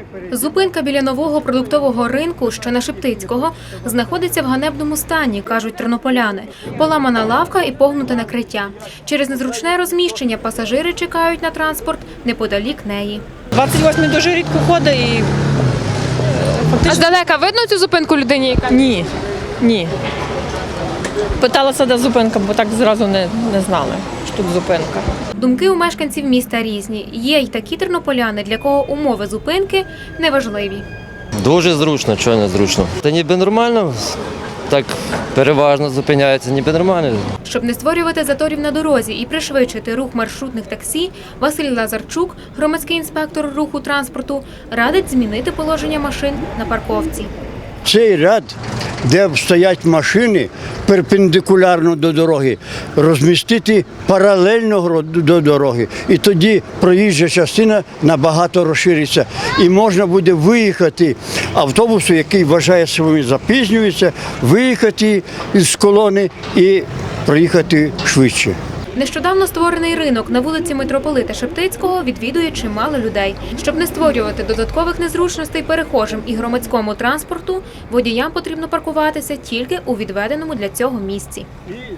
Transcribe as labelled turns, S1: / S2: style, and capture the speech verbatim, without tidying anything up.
S1: Зупинка біля нового продуктового ринку, що на Шептицького, знаходиться в ганебному стані, кажуть тернополяни. Поламана лавка і погнуте накриття. Через незручне розміщення пасажири чекають на транспорт неподалік неї.
S2: двадцять восьмий дуже рідко ходить і
S3: А здалека видно цю зупинку людині, яка?
S2: ні, ні. Питалася, де зупинка, бо так зразу не, не знали, що тут зупинка.
S1: Думки у мешканців міста різні. Є й такі тернополяни, для кого умови зупинки неважливі.
S4: Дуже зручно, чого не зручно. Та ніби нормально, так переважно зупиняється, ніби нормально.
S1: Щоб не створювати заторів на дорозі і пришвидшити рух маршрутних таксі, Василь Лазарчук, громадський інспектор руху транспорту, радить змінити положення машин на парковці.
S5: Цей ряд, де стоять машини перпендикулярно до дороги, розмістити паралельно до дороги. І тоді проїжджа частина набагато розшириться. І можна буде виїхати автобусу, який вважає, що він запізнюється, виїхати з колони і проїхати швидше.
S1: Нещодавно створений ринок на вулиці Митрополита Шептицького відвідує чимало людей. Щоб не створювати додаткових незручностей перехожим і громадському транспорту, водіям потрібно паркуватися тільки у відведеному для цього місці.